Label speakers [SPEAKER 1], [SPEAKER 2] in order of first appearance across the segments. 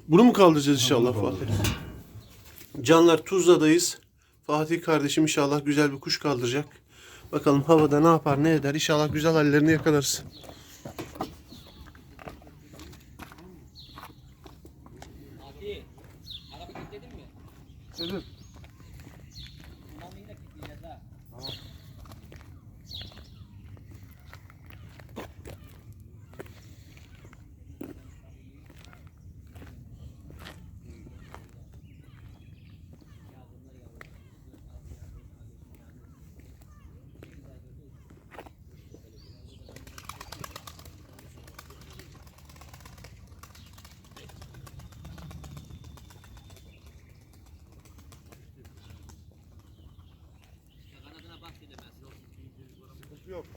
[SPEAKER 1] Bunu mu kaldıracağız inşallah Fatih? Canlar, Tuzla'dayız. Fatih kardeşim inşallah güzel bir kuş kaldıracak. Bakalım havada ne yapar ne eder. İnşallah güzel hallerini yakalarız.
[SPEAKER 2] Fatih, araba kilitledin mi?
[SPEAKER 1] Dedim.
[SPEAKER 2] Kumandayı da kilitleyeceğiz ha. Kanadına bak dedim ben.
[SPEAKER 1] Yok.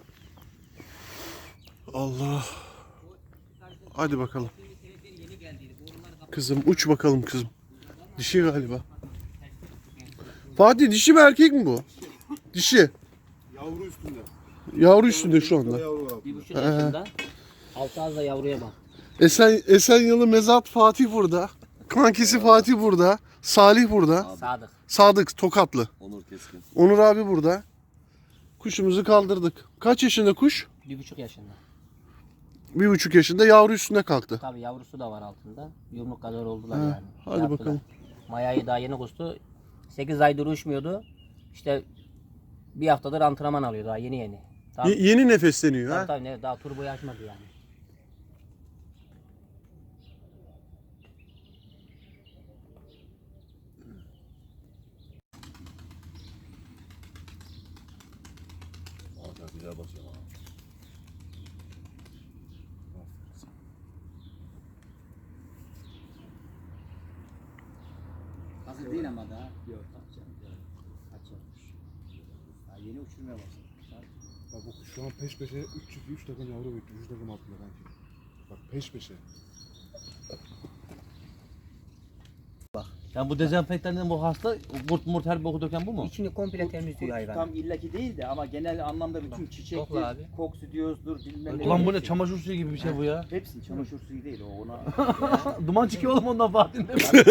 [SPEAKER 1] Allah. Hadi bakalım.
[SPEAKER 2] Yeni geldiydi. Borular kapalı.
[SPEAKER 1] Kızım uç bakalım kızım. Dişi galiba. Fatih dişi mi erkek mi bu? Dişi.
[SPEAKER 3] Yavru üstünde.
[SPEAKER 1] Yavru üstünde şu anda.
[SPEAKER 3] Yavru var.
[SPEAKER 2] 1,5 yaşında. Altı az da yavruya bak.
[SPEAKER 1] Esenyalı Mezat Fatih burada. Kankisi Fatih burada. Salih burada.
[SPEAKER 2] Sadık.
[SPEAKER 1] Sadık Tokatlı.
[SPEAKER 3] Onur Keskin.
[SPEAKER 1] Onur abi burada. Kuşumuzu kaldırdık. Kaç yaşında kuş?
[SPEAKER 2] 1,5 yaşında.
[SPEAKER 1] 1,5 yaşında, yavru üstüne kalktı.
[SPEAKER 2] Tabii yavrusu da var altında. Yumruk kadar oldular
[SPEAKER 1] Ha,
[SPEAKER 2] yani.
[SPEAKER 1] hadi
[SPEAKER 2] Yaptılar.
[SPEAKER 1] bakalım.
[SPEAKER 2] Mayayı daha yeni kustu. 8 aydır uçmuyordu. İşte bir haftadır antrenman alıyor daha yeni. Daha,
[SPEAKER 1] Yeni nefesleniyor ha.
[SPEAKER 2] tabii, daha turboyu açmadı yani.
[SPEAKER 3] Valla güzel basıyor ha.
[SPEAKER 4] Hazır değil ama daha. Yok. Kaç yapmış? Daha yeni uçurmaya başladı.
[SPEAKER 3] Bak bu şu an peş peşe 3 çift 3 takım yavru bekliyor. 3 takım atıyor kanki. Bak peş peşe.
[SPEAKER 5] Yani bu dezenfektanın bu hasta kurt murt her boku döken bu mu?
[SPEAKER 2] İçini komple temizliyor hayvan.
[SPEAKER 4] Tam illaki değil de ama genel anlamda bütün çiçektir,
[SPEAKER 2] kokla abi.
[SPEAKER 4] koksidiyozdur, bilmem ne.
[SPEAKER 5] Ulan bu ne çamaşır suyu gibi bir şey bu ya.
[SPEAKER 4] Hepsi çamaşır suyu değil o ona.
[SPEAKER 5] Duman çıkıyor oğlum ondan Fatih'in.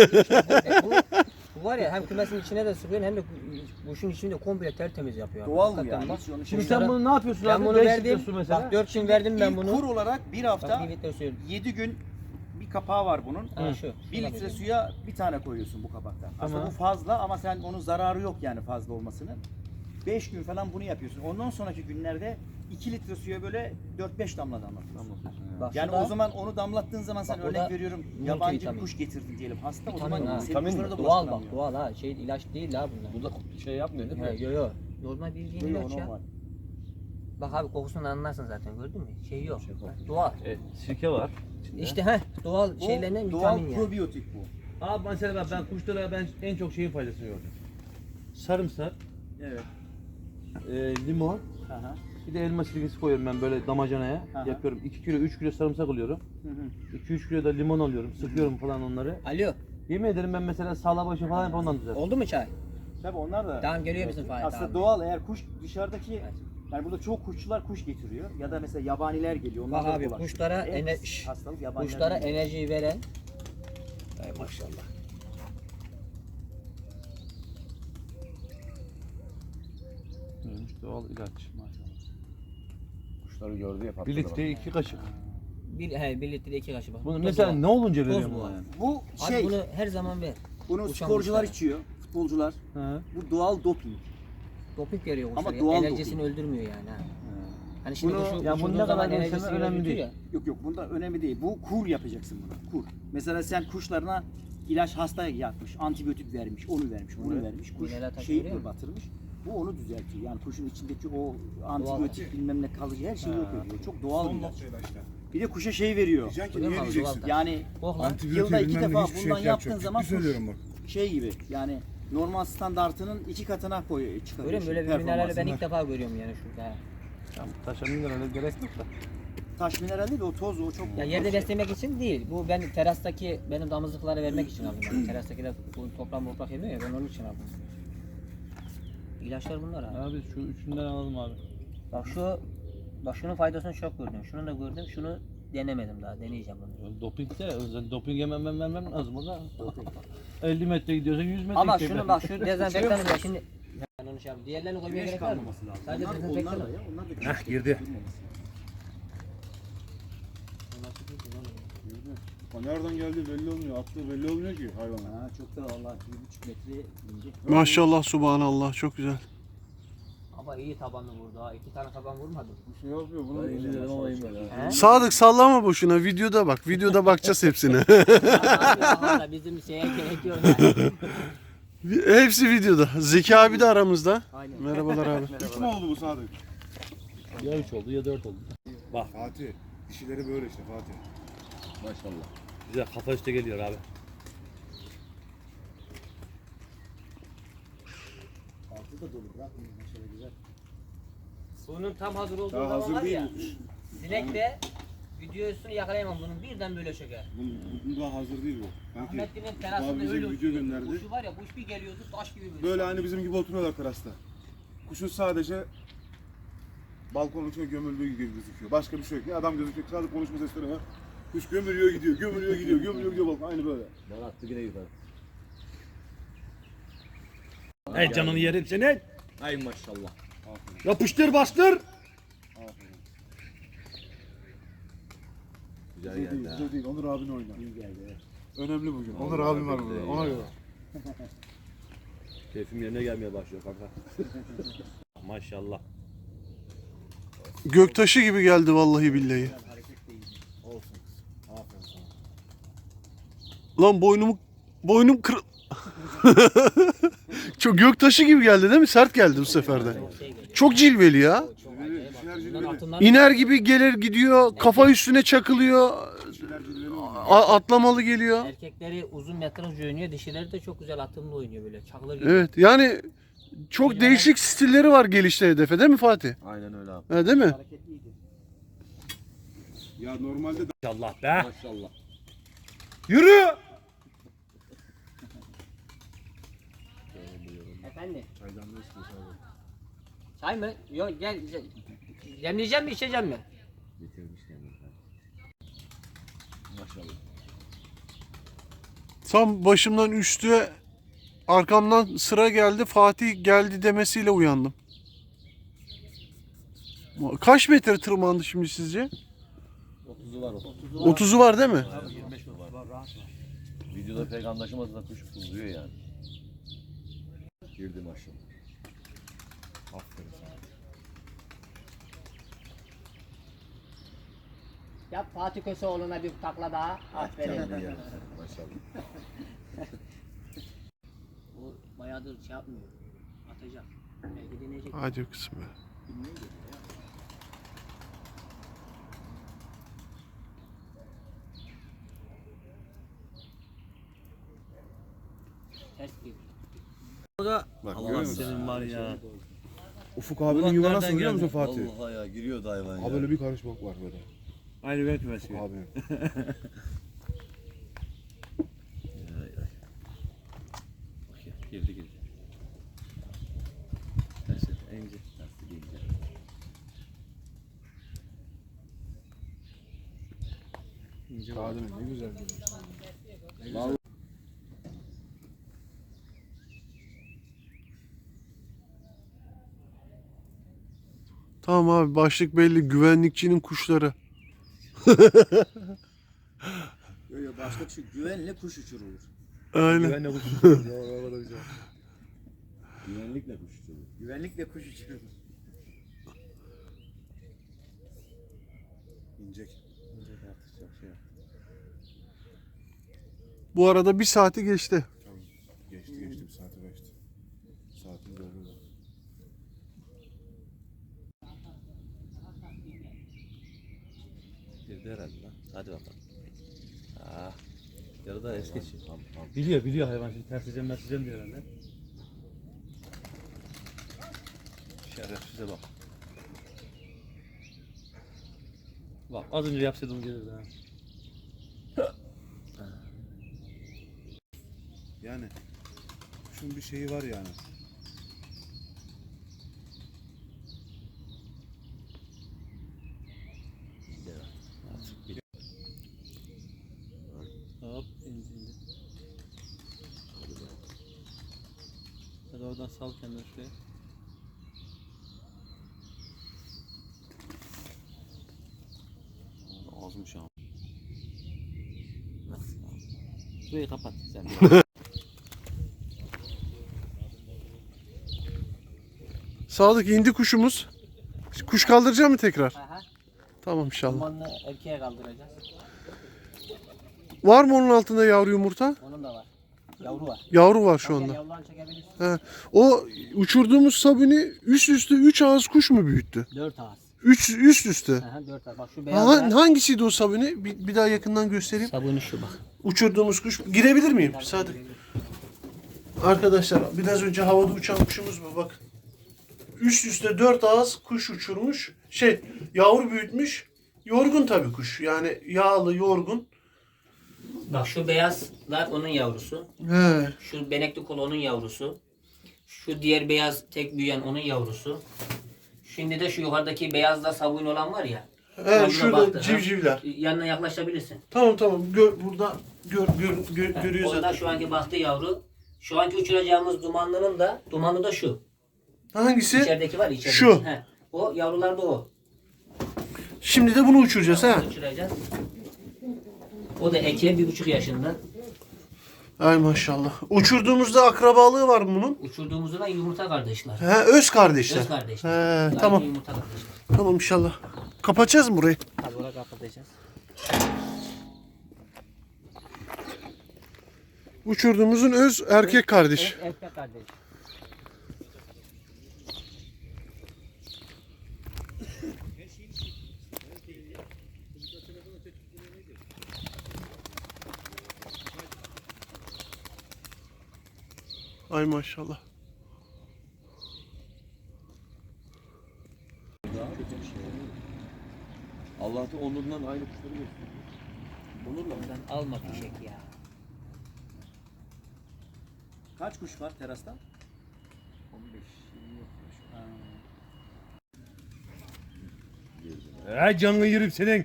[SPEAKER 2] Bu var ya hem kümesin içine de sıkıyorsun hem de kuşun içini de komple tertemiz yapıyor.
[SPEAKER 4] Doğal bu
[SPEAKER 2] Hakikaten
[SPEAKER 4] yani.
[SPEAKER 2] bak.
[SPEAKER 4] Hiç onu
[SPEAKER 5] Şimdi
[SPEAKER 4] şey-
[SPEAKER 5] sen bunu ne yapıyorsun
[SPEAKER 2] Ben
[SPEAKER 5] abi?
[SPEAKER 2] bunu
[SPEAKER 5] 5
[SPEAKER 2] verdim.
[SPEAKER 5] litre su mesela.
[SPEAKER 2] Bak 4 gün verdim ben
[SPEAKER 4] İlk
[SPEAKER 2] bunu.
[SPEAKER 4] kur olarak bir
[SPEAKER 2] Bak
[SPEAKER 4] hafta
[SPEAKER 2] 1 litre suyu.
[SPEAKER 4] 7 gün bir kapağı var bunun.
[SPEAKER 2] Ha, şu.
[SPEAKER 4] 1 litre suya bir tane koyuyorsun bu kapaktan. Aslında
[SPEAKER 5] Tamam.
[SPEAKER 4] bu fazla ama sen onun zararı yok yani fazla olmasının. 5 gün falan bunu yapıyorsun. Ondan sonraki günlerde 2 litre suya böyle 4-5 damla damlatıyorsun.
[SPEAKER 2] Bak
[SPEAKER 4] Yani
[SPEAKER 2] şurada
[SPEAKER 4] o zaman onu damlattığın zaman sen
[SPEAKER 2] Bak
[SPEAKER 4] örnek
[SPEAKER 2] burada
[SPEAKER 4] veriyorum
[SPEAKER 2] multivitamin.
[SPEAKER 4] yabancı bir kuş getirdin diyelim hasta o
[SPEAKER 2] vitamin
[SPEAKER 4] zaman
[SPEAKER 2] ha.
[SPEAKER 4] senin
[SPEAKER 5] Vitamin
[SPEAKER 4] kuşlara
[SPEAKER 5] mi?
[SPEAKER 4] da
[SPEAKER 2] doğal bak
[SPEAKER 4] bulaştıramıyor.
[SPEAKER 2] doğal ha. Şey ilaç değil ha bunlar.
[SPEAKER 5] Bu da şey yapmıyor değil mi?
[SPEAKER 2] Yo. Normal bildiğin
[SPEAKER 4] Yok,
[SPEAKER 2] ilaç ya.
[SPEAKER 4] normal.
[SPEAKER 2] Bak abi kokusunu anlarsın zaten gördün mü? Şey yok. Doğal.
[SPEAKER 5] Sirke var. içinde.
[SPEAKER 2] İşte doğal
[SPEAKER 4] Bu
[SPEAKER 2] şeylerden
[SPEAKER 4] doğal
[SPEAKER 2] vitamin yani.
[SPEAKER 4] probiyotik bu.
[SPEAKER 5] Abi mesela ben kuşlara en çok şeyin faydasını gördüm. Sarımsak,
[SPEAKER 4] Evet.
[SPEAKER 5] limon,
[SPEAKER 4] Aha.
[SPEAKER 5] bir de elma sirkesi koyuyorum ben böyle damacanaya.
[SPEAKER 4] Aha.
[SPEAKER 5] Yapıyorum 2 kilo 3 kilo sarımsak alıyorum.
[SPEAKER 4] Hı hı.
[SPEAKER 5] 2-3 kilo da limon alıyorum. Sıkıyorum falan onları.
[SPEAKER 2] Alo.
[SPEAKER 5] Yemin ederim ben mesela sağla başı falan hep ondan düzeltim.
[SPEAKER 2] Oldu mu çay?
[SPEAKER 4] Tabii onlar da
[SPEAKER 2] Tamam geliyor bizim Fahit
[SPEAKER 4] aslında
[SPEAKER 2] abi.
[SPEAKER 4] doğal eğer kuş dışarıdaki yani burada çok kuşçular kuş getiriyor ya da mesela yabaniler geliyor. Onlar
[SPEAKER 2] Bak
[SPEAKER 4] da
[SPEAKER 2] abi
[SPEAKER 4] bulaşıyor.
[SPEAKER 2] kuşlara
[SPEAKER 4] Hastalık yabanilerden
[SPEAKER 2] kuşlara
[SPEAKER 4] geliyor.
[SPEAKER 2] enerjiyi veren
[SPEAKER 5] Maşallah. Neymiş doğal ilaç.
[SPEAKER 3] Kuşları gördü ya
[SPEAKER 5] 1 litreye 2 kaşık.
[SPEAKER 2] bir litre 2 kaşık bak.
[SPEAKER 5] Bunu
[SPEAKER 2] Toz
[SPEAKER 5] mesela
[SPEAKER 2] var.
[SPEAKER 5] ne olunca
[SPEAKER 2] Toz
[SPEAKER 5] veriyorum
[SPEAKER 2] bu
[SPEAKER 5] buna
[SPEAKER 2] abi.
[SPEAKER 5] yani?
[SPEAKER 4] Bu
[SPEAKER 2] Abi
[SPEAKER 4] şey
[SPEAKER 2] bunu her zaman ver.
[SPEAKER 4] bunu
[SPEAKER 2] uçan
[SPEAKER 4] sporcular
[SPEAKER 2] kuşlara.
[SPEAKER 4] içiyor, futbolcular.
[SPEAKER 5] He.
[SPEAKER 4] Bu doğal doping.
[SPEAKER 2] Doping veriyor
[SPEAKER 4] Ama
[SPEAKER 2] kuşlara.
[SPEAKER 4] doğal
[SPEAKER 2] Enerjisini öldürmüyor yani ha. Hani şimdi
[SPEAKER 4] Bunu-
[SPEAKER 2] kuşu
[SPEAKER 5] Ya
[SPEAKER 2] uçurduğun
[SPEAKER 5] bunu ne
[SPEAKER 2] zaman
[SPEAKER 5] kadar
[SPEAKER 2] enerjisini
[SPEAKER 5] görsen önemli
[SPEAKER 2] öldürtüyor
[SPEAKER 5] değil.
[SPEAKER 2] ya.
[SPEAKER 4] Yok bunda önemli değil. Bu kur yapacaksın buna. Kur. Mesela sen kuşlarına ilaç hasta yapmış, antibiyotik vermiş, onu vermiş, bunu
[SPEAKER 2] Evet.
[SPEAKER 4] vermiş. Kuş
[SPEAKER 2] Mineral taşı
[SPEAKER 4] şeyi
[SPEAKER 2] veriyor mu?
[SPEAKER 4] batırmış. Bu onu düzeltiyor. Yani kuşun içindeki o antibiyotik bilmem ne kalıcı her şeyi yok ediyor. Çok doğal bir ilaç. Bir de kuşa şey veriyor.
[SPEAKER 3] Diyeceksin ki
[SPEAKER 2] Öyle mi
[SPEAKER 3] niye
[SPEAKER 2] abi,
[SPEAKER 3] diyeceksin?
[SPEAKER 2] doğal.
[SPEAKER 4] Yani
[SPEAKER 2] Oh lan.
[SPEAKER 4] yılda 2 defa
[SPEAKER 3] hiçbir şey
[SPEAKER 4] bundan yaptığın
[SPEAKER 3] yapacak.
[SPEAKER 4] zaman
[SPEAKER 3] Ciddi söylüyorum bak.
[SPEAKER 4] şey gibi yani normal standartının 2 katına
[SPEAKER 2] Görüyor
[SPEAKER 4] çıkarıyor.
[SPEAKER 2] musun? Böyle bir minerali ben
[SPEAKER 4] performansını.
[SPEAKER 2] ilk defa görüyorum yani şurada.
[SPEAKER 5] Ya taşa minerale gerek yok da.
[SPEAKER 4] Taş mineral değil de o toz o çok.
[SPEAKER 2] Ya yerde beslemek için değil. Bu ben terastaki benim damızlıklara vermek için aldım. Yani. Terastakiler bu toprak yemiyor ya ben onun için aldım. İlaçlar bunlar abi.
[SPEAKER 5] Abi şu üçünden alalım abi.
[SPEAKER 2] Bak şunun faydasını çok gördüm. Şunu da gördüm. Şunu denemedim daha. Deneyeceğim bunu.
[SPEAKER 5] Doping de, sen doping vermem lazım o da. 50 metre gidiyorsan 100 metre
[SPEAKER 2] Ama
[SPEAKER 5] gidecek
[SPEAKER 2] şunu
[SPEAKER 5] belki.
[SPEAKER 2] bak şu dezenfektanı da şimdi ben onu şey yapayım. Diğerlerini koymaya
[SPEAKER 4] Güneş
[SPEAKER 2] gerek var mı?
[SPEAKER 4] kalmaması lazım.
[SPEAKER 2] Sadece
[SPEAKER 4] Onlar
[SPEAKER 2] dezenfektan.
[SPEAKER 4] da ya. Onlar da
[SPEAKER 5] Heh, girdi.
[SPEAKER 3] O nereden geldi belli olmuyor. Attığı belli olmuyor ki hayvana.
[SPEAKER 4] Ha, çok da valla 1,5 metre ince.
[SPEAKER 1] Maşallah subhanallah çok güzel.
[SPEAKER 2] Ama iyi tabanlı vurdu ha. 2 tane taban vurmadı.
[SPEAKER 3] Bir şey yapmıyor. Bunu
[SPEAKER 5] Ben iyi dedim ama iyi böyle.
[SPEAKER 2] He?
[SPEAKER 1] Sadık sallama boşuna videoda bak. Videoda bakacağız hepsine.
[SPEAKER 2] Abi bizim şeye gerek yok yani.
[SPEAKER 1] Hepsi videoda. Zeki abi de aramızda.
[SPEAKER 2] Aynen.
[SPEAKER 1] Merhabalar abi.
[SPEAKER 3] Üç mü oldu bu Sadık?
[SPEAKER 5] Ya 3 oldu ya 4 oldu. Bak
[SPEAKER 3] Fatih. Dişileri böyle işte Fatih.
[SPEAKER 5] maşallah. Güzel kafa üstte geliyor abi.
[SPEAKER 4] Altı da dolu bırakmıyor. Şöyle güzel.
[SPEAKER 2] Bunun tam hazır olduğu
[SPEAKER 3] Daha
[SPEAKER 2] zaman
[SPEAKER 3] hazır
[SPEAKER 2] var
[SPEAKER 3] değil
[SPEAKER 2] ya.
[SPEAKER 3] bu kuş.
[SPEAKER 2] Dilekte videosunu yakalayamam bunun birden böyle çöker.
[SPEAKER 3] Bu daha hazır değil bu. Kanki.
[SPEAKER 2] Ahmetli'nin
[SPEAKER 3] Daha
[SPEAKER 2] terasında
[SPEAKER 3] bize
[SPEAKER 2] öyle
[SPEAKER 3] bir video
[SPEAKER 2] uçuyordu.
[SPEAKER 3] gönderdi.
[SPEAKER 2] Kuşu var ya kuş bir geliyordu taş gibi böyle.
[SPEAKER 3] Böyle hani bizim gibi oturuyorlar terasta. Kuşun sadece balkonun içine gömüldüğü gibi gözüküyor. Başka bir şey yok. Ne adam gözüküyor. Sadece konuşma sesleri var. Kuş gömülüyor gidiyor, gömülüyor gidiyor, gömülüyor gidiyor balkon. Aynı böyle.
[SPEAKER 5] Bana attı yine yukarı. Ey canını yerim senin. Ay maşallah.
[SPEAKER 3] Aferin.
[SPEAKER 5] Yapıştır bastır.
[SPEAKER 3] Aferin.
[SPEAKER 5] Güzel
[SPEAKER 3] Bize değil,
[SPEAKER 5] geldi ha.
[SPEAKER 3] bize değil. Onur abin oynar.
[SPEAKER 4] İyi geldi. Evet.
[SPEAKER 3] Önemli bugün.
[SPEAKER 5] Vallahi
[SPEAKER 3] Onur abim var
[SPEAKER 5] billahi
[SPEAKER 3] burada.
[SPEAKER 5] ya.
[SPEAKER 3] Ona göre.
[SPEAKER 5] Keyfim yerine gelmeye başlıyor kanka. Maşallah.
[SPEAKER 1] Göktaşı gibi geldi vallahi billahi.
[SPEAKER 4] Hareket değil.
[SPEAKER 3] Olsun kız. Aferin sana.
[SPEAKER 1] Lan boynum kır... Çok göktaşı gibi geldi değil mi? Sert geldi bu sefer de. Çok cilveli ya.
[SPEAKER 2] Çok
[SPEAKER 3] Cilveli,
[SPEAKER 2] acayip.
[SPEAKER 3] dişiler
[SPEAKER 2] Bunların
[SPEAKER 3] cilveli.
[SPEAKER 2] altından
[SPEAKER 1] İner gibi gelir gidiyor. Kafa üstüne çakılıyor.
[SPEAKER 3] Dişiler cilveli oynuyor.
[SPEAKER 1] Atlamalı geliyor.
[SPEAKER 2] erkekleri uzun metraj oynuyor, dişileri de çok güzel atımlı oynuyor böyle. Çakılır gibi.
[SPEAKER 1] Evet yani çok değişik stilleri var gelişte hedefe değil mi Fatih?
[SPEAKER 5] Aynen öyle abi.
[SPEAKER 1] Ha, değil mi?
[SPEAKER 4] Hareketliydi.
[SPEAKER 3] Ya normalde de
[SPEAKER 5] Maşallah be. Maşallah.
[SPEAKER 1] Yürü!
[SPEAKER 2] Efendim?
[SPEAKER 3] çaydan da istiyorsun abi.
[SPEAKER 2] Çay mı? Yok gel. Demleyeceğim mi içeceğim mi?
[SPEAKER 5] Bitirmiş kendini. Maşallah.
[SPEAKER 1] Tam başımdan üstü arkamdan sıra geldi. Fatih geldi demesiyle uyandım. Kaç metre tırmandı şimdi sizce?
[SPEAKER 5] 30'u var o.
[SPEAKER 1] 30'u var değil mi?
[SPEAKER 5] 25 mi var? Videoda pek anlaşılmasa da kuş uzuyor yani. Girdi maşallah.
[SPEAKER 3] Aferin sana.
[SPEAKER 2] Yap Fatih Köseoğlu'na bir takla daha. Aferin.
[SPEAKER 5] Canını yerim seni maşallah.
[SPEAKER 2] O bayağıdır şey yapmıyor. Atacak. Belki deneyecek.
[SPEAKER 1] Hadi kızım be.
[SPEAKER 2] Ters gibi.
[SPEAKER 3] Bak görüyor
[SPEAKER 5] Allah
[SPEAKER 3] musun?
[SPEAKER 5] senin var ya.
[SPEAKER 3] Ufuk abinin
[SPEAKER 5] Ulan
[SPEAKER 3] yuva
[SPEAKER 5] nereden
[SPEAKER 3] nasıl biliyor musun
[SPEAKER 5] geldi?
[SPEAKER 3] Fatih?
[SPEAKER 5] Allah ya giriyordu hayvan
[SPEAKER 3] Ha
[SPEAKER 5] ya.
[SPEAKER 3] böyle bir karış bok var böyle.
[SPEAKER 5] Aynı ben kümesi.
[SPEAKER 3] Ufuk abinin.
[SPEAKER 5] Girdi girdi. Neyse ince. Lastik ince. İnce var.
[SPEAKER 3] Kadının ne güzel görüyorsun.
[SPEAKER 1] Tamam abi başlık belli. Güvenlikçinin kuşları.
[SPEAKER 4] Yok yok başka bir şey. Güvenle kuş uçurulur.
[SPEAKER 1] Aynen.
[SPEAKER 5] Güvenle kuş.
[SPEAKER 3] Güvenlikle kuş uçuruyor.
[SPEAKER 4] Güvenlikle kuş uçurulur.
[SPEAKER 3] İncek.
[SPEAKER 1] Bu arada bir saati geçti.
[SPEAKER 3] Tamam. Geçti bir saate geçti. Saatin doldu da.
[SPEAKER 5] Girdi herhalde lan. Hadi bakalım. Ah. Yarıda es geçiyor. Biliyor hayvan şimdi ters edeceğim diyor herhalde. Şerefsize bak. Bak az önce yapsaydım gelirdi ha.
[SPEAKER 3] Yani kuşun bir şeyi var yani.
[SPEAKER 5] Sal kendini şuraya. Ağzım şu an. Şurayı kapat sen.
[SPEAKER 1] Sadık indi kuşumuz. Kuş kaldıracak mı tekrar?
[SPEAKER 2] Aha.
[SPEAKER 1] Tamam inşallah.
[SPEAKER 2] Dumanını erkeğe kaldıracağız.
[SPEAKER 1] Var mı onun altında yavru yumurta?
[SPEAKER 2] Onun da var. Yavru var.
[SPEAKER 1] Yavru var şu
[SPEAKER 2] Gel
[SPEAKER 1] anda.
[SPEAKER 2] yavrularını çekebilirsin.
[SPEAKER 1] He. O uçurduğumuz sabuni üst üste 3 ağız kuş mu büyüttü?
[SPEAKER 2] 4 ağız.
[SPEAKER 1] Üst üste.
[SPEAKER 2] Aha 4 ağız. Bak şu beyaz
[SPEAKER 1] Hangisiydi o sabuni? Bir daha yakından göstereyim.
[SPEAKER 2] sabunu şu bak.
[SPEAKER 1] Uçurduğumuz kuş. Girebilir miyim? Sadık. Arkadaşlar biraz önce havada uçan kuşumuz bu bak. Üst üste 4 ağız kuş uçurmuş. Yavru büyütmüş. Yorgun tabii kuş. Yani yağlı, yorgun.
[SPEAKER 2] Bak şu beyazlar onun yavrusu.
[SPEAKER 1] He.
[SPEAKER 2] Şu benekli kolu onun yavrusu. Şu diğer beyaz tek büyüyen onun yavrusu. Şimdi de şu yukarıdaki beyazda sabun olan var ya.
[SPEAKER 1] He
[SPEAKER 2] Tadına
[SPEAKER 1] şurada
[SPEAKER 2] baktı, ha.
[SPEAKER 1] civcivler.
[SPEAKER 2] Yanına yaklaşabilirsin.
[SPEAKER 1] Tamam. Burada görüyor
[SPEAKER 2] Onda
[SPEAKER 1] zaten.
[SPEAKER 2] şu anki baktığı yavru. Şu anki uçuracağımız dumanlı da şu.
[SPEAKER 1] Hangisi?
[SPEAKER 2] İçerideki var içerideki.
[SPEAKER 1] Şu.
[SPEAKER 2] He. O yavrular da o.
[SPEAKER 1] Şimdi de bunu uçuracağız ha.
[SPEAKER 2] Uçuracağız. O da eke 1,5 yaşında.
[SPEAKER 1] Ay maşallah. Uçurduğumuzda akrabalığı var mı bunun?
[SPEAKER 2] Uçurduğumuzda da yumurta kardeşler.
[SPEAKER 1] He, öz kardeşler.
[SPEAKER 2] Öz kardeşler.
[SPEAKER 1] He,
[SPEAKER 2] Aynı
[SPEAKER 1] tamam.
[SPEAKER 2] Yumurta kardeşler.
[SPEAKER 1] Tamam inşallah. Kapatacağız mı burayı?
[SPEAKER 2] Tabii oraya kapatacağız.
[SPEAKER 1] Uçurduğumuzun öz erkek kardeş.
[SPEAKER 2] Erkek kardeş.
[SPEAKER 1] Ay maşallah.
[SPEAKER 5] Allah da onundan aynı kuşları gösteriyor.
[SPEAKER 2] Onurla ondan alma fişek ya.
[SPEAKER 4] Kaç kuş var terasta? 15-20
[SPEAKER 6] Canını yerim senin.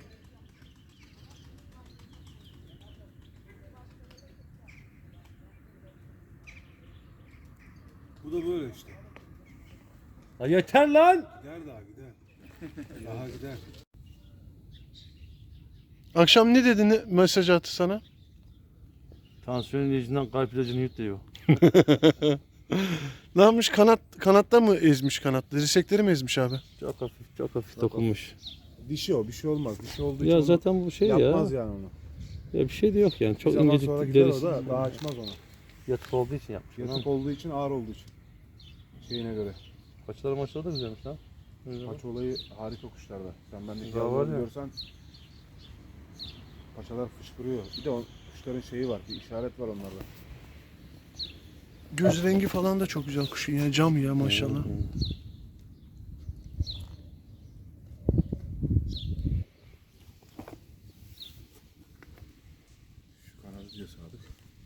[SPEAKER 3] Bu da böyle işte.
[SPEAKER 6] Ya yeter lan.
[SPEAKER 3] Gider daha gider. Daha gider.
[SPEAKER 1] Akşam ne dedi mesaj attı sana?
[SPEAKER 6] Tansiyon ilacından kalp ilacını yut diyor.
[SPEAKER 1] Ne yapmış? Kanatta mı ezmiş kanatları? Dirsekleri mi ezmiş abi?
[SPEAKER 6] Çok hafif dokunmuş.
[SPEAKER 3] Dişi o bir şey olmaz. Dişi olduğu
[SPEAKER 6] Ya
[SPEAKER 3] için
[SPEAKER 6] zaten bu şey ya.
[SPEAKER 3] yapmaz yani onu.
[SPEAKER 6] Ya bir şey de yok yani.
[SPEAKER 3] Bir
[SPEAKER 6] Çok
[SPEAKER 3] zaman
[SPEAKER 6] incecik
[SPEAKER 3] sonra gider o
[SPEAKER 6] derisi.
[SPEAKER 3] da daha açmaz onu.
[SPEAKER 6] Yatık olduğu için yapmış.
[SPEAKER 3] Yatık olduğu için ağır olduğu için. Şeyine göre.
[SPEAKER 6] Paçaları maçları da güzelmiş lan.
[SPEAKER 3] Paça olayı harika kuşlarda. Sen bendeki
[SPEAKER 6] Ya var
[SPEAKER 3] yavruları
[SPEAKER 6] ya.
[SPEAKER 3] görsen paçalar fışkırıyor. Bir de o kuşların şeyi var. Bir işaret var onlarda.
[SPEAKER 1] Göz rengi falan da çok güzel kuşun ya. Cam ya maşallah.
[SPEAKER 3] Şu kanadı diyor Sadık.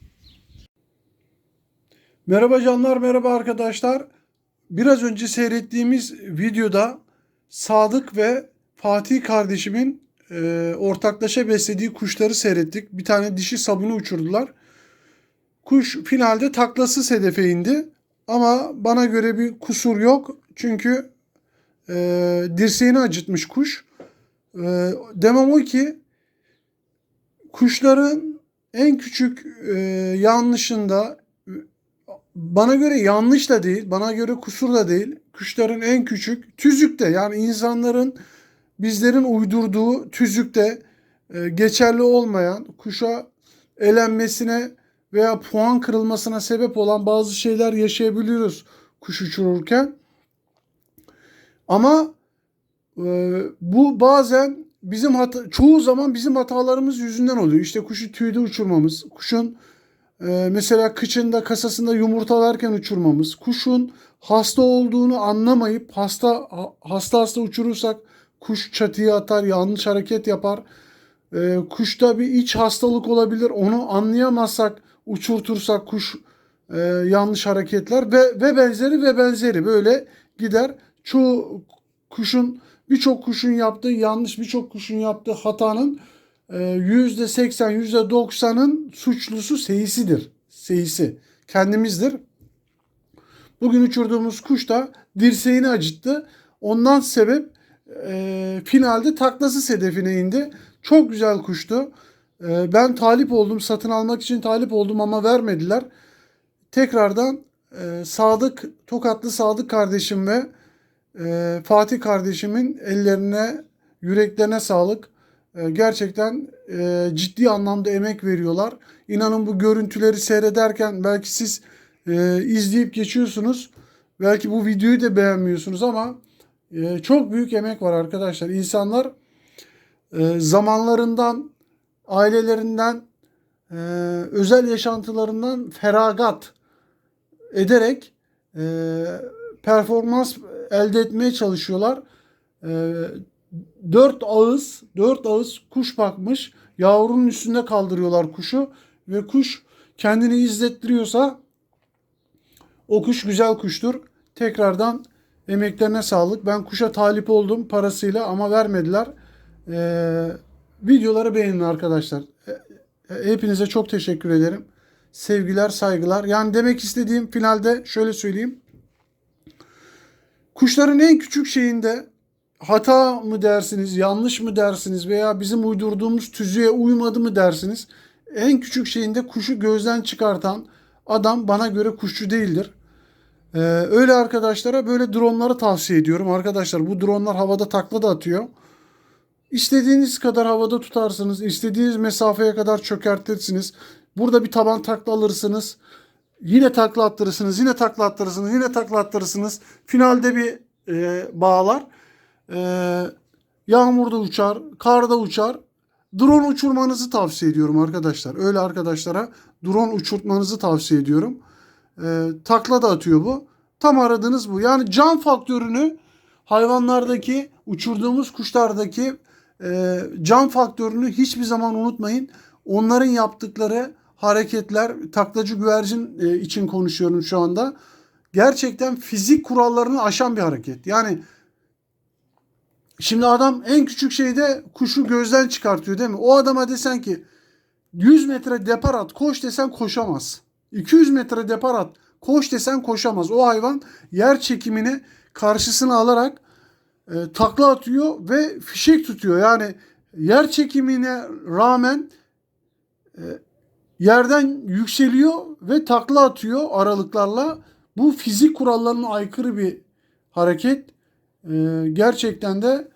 [SPEAKER 1] Merhaba canlar, merhaba arkadaşlar. Biraz önce seyrettiğimiz videoda Sadık ve Fatih kardeşimin ortaklaşa beslediği kuşları seyrettik. Bir tane dişi sabunu uçurdular. Kuş finalde taklasız hedefe indi. Ama bana göre bir kusur yok. Çünkü dirseğini acıtmış kuş. Demem o ki kuşların en küçük yanlışında, bana göre yanlış da değil, bana göre kusur da değil. Kuşların en küçük tüzükte, yani insanların, bizlerin uydurduğu tüzükte geçerli olmayan, kuşa elenmesine veya puan kırılmasına sebep olan bazı şeyler yaşayabiliyoruz kuş uçururken. Ama bu bazen çoğu zaman bizim hatalarımız yüzünden oluyor. İşte kuşu tüyde uçurmamız, kuşun mesela kıçında, kasasında yumurtalarken uçurmamız, kuşun hasta olduğunu anlamayıp hasta uçurursak kuş çatıya atar, yanlış hareket yapar. Kuşta bir iç hastalık olabilir, onu anlayamazsak uçurtursak kuş yanlış hareketler ve benzeri böyle gider. Birçok kuşun yaptığı yanlış, birçok kuşun yaptığı hatanın %80, %90'ın suçlusu seyisidir. Seyisi kendimizdir. Bugün uçurduğumuz kuş da dirseğini acıttı. Ondan sebep finalde taklasız hedefine indi. Çok güzel kuştu. Ben talip oldum. Satın almak için talip oldum ama vermediler. Tekrardan Tokatlı Sadık kardeşim ve Fatih kardeşimin ellerine, yüreklerine sağlık. Gerçekten ciddi anlamda emek veriyorlar. İnanın bu görüntüleri seyrederken belki siz izleyip geçiyorsunuz. Belki bu videoyu da beğenmiyorsunuz ama çok büyük emek var arkadaşlar. İnsanlar zamanlarından, ailelerinden, özel yaşantılarından feragat ederek performans elde etmeye çalışıyorlar. 4 ağız kuş bakmış. Yavrunun üstünde kaldırıyorlar kuşu ve kuş kendini izlettiriyorsa o kuş güzel kuştur. Tekrardan emeklerine sağlık. Ben kuşa talip oldum parasıyla ama vermediler. Videoları beğenin arkadaşlar. Hepinize çok teşekkür ederim. Sevgiler, saygılar. Yani demek istediğim finalde şöyle söyleyeyim. Kuşların en küçük şeyinde hata mı dersiniz, yanlış mı dersiniz veya bizim uydurduğumuz tüzüğe uymadı mı dersiniz? En küçük şeyinde kuşu gözden çıkartan adam bana göre kuşçu değildir. Öyle arkadaşlara böyle dronları tavsiye ediyorum. Arkadaşlar bu dronlar havada takla da atıyor. İstediğiniz kadar havada tutarsınız. İstediğiniz mesafeye kadar çökertirsiniz. Burada bir taban takla alırsınız. Yine takla attırırsınız. Yine takla attırırsınız. Yine takla attırırsınız. Finalde bir bağlar. Yağmurda uçar. Karda uçar. Drone uçurmanızı tavsiye ediyorum arkadaşlar. Öyle arkadaşlara drone uçurtmanızı tavsiye ediyorum. Takla da atıyor bu. Tam aradığınız bu. Yani can faktörünü hayvanlardaki, uçurduğumuz kuşlardaki can faktörünü hiçbir zaman unutmayın. Onların yaptıkları hareketler, taklacı güvercin için konuşuyorum şu anda. Gerçekten fizik kurallarını aşan bir hareket. Yani şimdi adam en küçük şeyde kuşu gözden çıkartıyor değil mi? O adama desen ki 100 metre depar at, koş desen koşamaz. 200 metre depar at, koş desen koşamaz. O hayvan yer çekimini karşısına alarak takla atıyor ve fişek tutuyor. Yani yer çekimine rağmen yerden yükseliyor ve takla atıyor aralıklarla. Bu fizik kurallarına aykırı bir hareket. Gerçekten de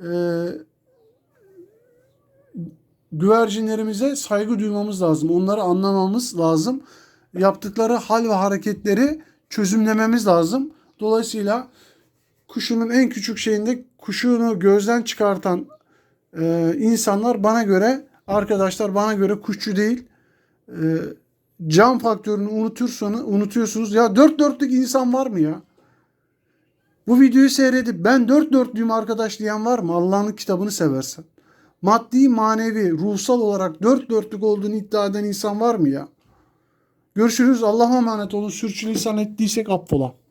[SPEAKER 1] güvercinlerimize saygı duymamız lazım. Onları anlamamız lazım. Yaptıkları hal ve hareketleri çözümlememiz lazım. Dolayısıyla kuşunun en küçük şeyinde kuşunu gözden çıkartan insanlar bana göre, arkadaşlar bana göre kuşçu değil. Can faktörünü unutuyorsunuz. Ya dört dörtlük insan var mı ya? Bu videoyu seyredip ben dört dörtlüyüm arkadaş diyen var mı? Allah'ın kitabını seversen. Maddi, manevi, ruhsal olarak dört dörtlük olduğunu iddia eden insan var mı ya? Görüşürüz. Allah'a emanet olun. Sürçülisan ettiysek affola.